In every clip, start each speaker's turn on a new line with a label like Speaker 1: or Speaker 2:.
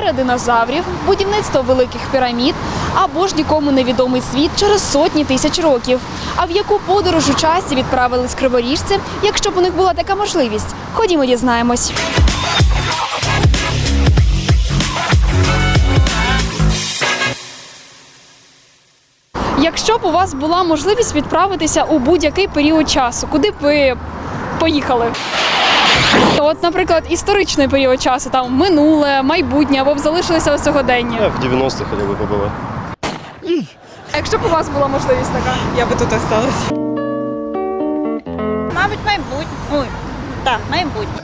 Speaker 1: ера динозаврів, будівництво великих пірамід або ж нікому невідомий світ через сотні тисяч років. А в яку подорож у часі відправились криворіжці, якщо б у них була така можливість? Ходімо, дізнаємось. Якщо б у вас була можливість відправитися у будь-який період часу, куди б ви поїхали? От, наприклад, історичний період часу, там минуле, майбутнє, або б залишилися у сьогоденні.
Speaker 2: Я в 90-х хотів би побувати.
Speaker 1: А якщо б у вас була можливість така?
Speaker 3: Я би тут осталась.
Speaker 4: Мабуть, майбутнє. Ой, так, майбутнє.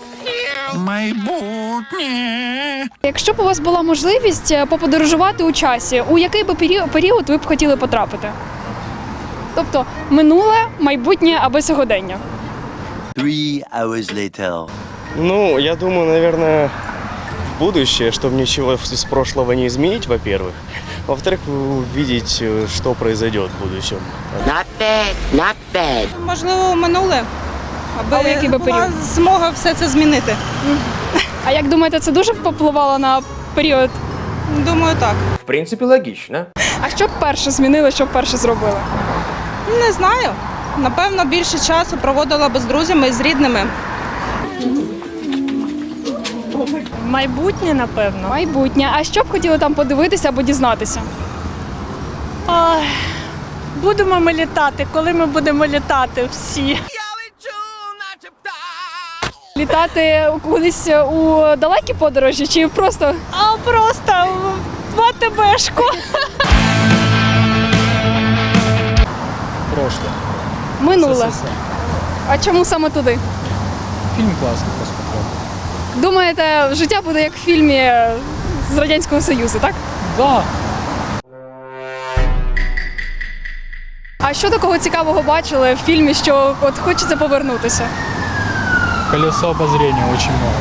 Speaker 1: Якщо б у вас була можливість поподорожувати у часі, у який би період ви б хотіли потрапити? Тобто минуле, майбутнє або сьогодення?
Speaker 5: 3 hours later.
Speaker 2: Ну, я думаю, наверное, в будущее, чтобы ничего из прошлого не изменить, во-первых. Во-вторых, увидеть, что произойдет в будущем.
Speaker 5: Not bad.
Speaker 3: Можливо, минуле,
Speaker 1: А в який би
Speaker 3: була
Speaker 1: період?
Speaker 3: змога все це змінити.
Speaker 1: А як думаєте, це дуже впливало на період?
Speaker 3: Думаю, так.
Speaker 6: В принципе, логично.
Speaker 1: А що б перше змінили, що б перше зробили?
Speaker 3: Не знаю. Напевно, більше часу проводила би з друзями і з рідними.
Speaker 7: Майбутнє, напевно.
Speaker 1: Майбутнє. А що б хотіли там подивитися або дізнатися?
Speaker 7: Ой, будемо ми літати, коли ми будемо літати всі.
Speaker 1: Літати кудись у далекі подорожі чи просто?
Speaker 7: А просто в АТБшку.
Speaker 8: Прошлое.
Speaker 1: Минуле.
Speaker 8: СССР.
Speaker 1: А чому саме туди?
Speaker 8: Фильм классный посмотрел.
Speaker 1: Думаєте, життя буде як в фільмі з Радянського Союзу, так?
Speaker 8: Да.
Speaker 1: А що такого цікавого бачили в фільмі, що от хочеться повернутися?
Speaker 8: Колесо обозрения очень много.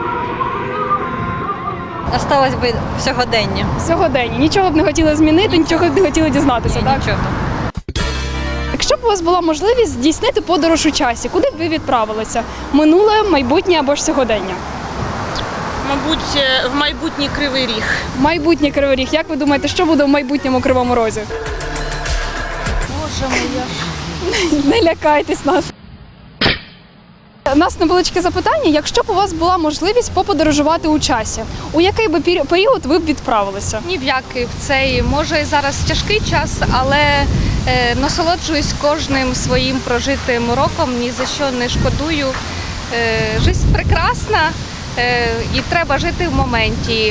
Speaker 4: Осталось би в сьогоденні.
Speaker 1: Сьогодення. Нічого б не хотіли змінити, нічого б не хотіли дізнатися, так?
Speaker 4: Нічого.
Speaker 1: Якщо б у вас була можливість здійснити подорож у часі, куди б ви відправилися? Минуле, майбутнє або ж сьогодення?
Speaker 3: Мабуть, в майбутній Кривий Ріг.
Speaker 1: Майбутнє Кривий Ріг. Як ви думаєте, що буде в майбутньому Кривому Розі?
Speaker 4: Боже моя.
Speaker 1: Не лякайтесь нас. У нас невеличке запитання. Якщо б у вас була можливість поподорожувати у часі, у який би період ви б відправилися?
Speaker 9: Ні в який в цей. Може зараз тяжкий час, але насолоджуюсь кожним своїм прожитим роком, ні за що не шкодую. Життя прекрасна і треба жити в моменті.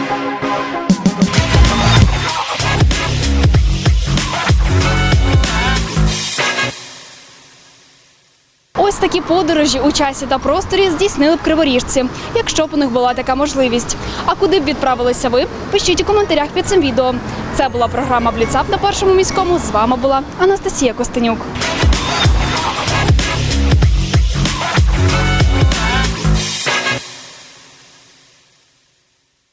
Speaker 1: Ось такі подорожі у часі та просторі здійснили б криворіжці, якщо б у них була така можливість. А куди б відправилися ви? Пишіть у коментарях під цим відео. Це була програма «Бліцап» на Першому міському. З вами була Анастасія Костенюк.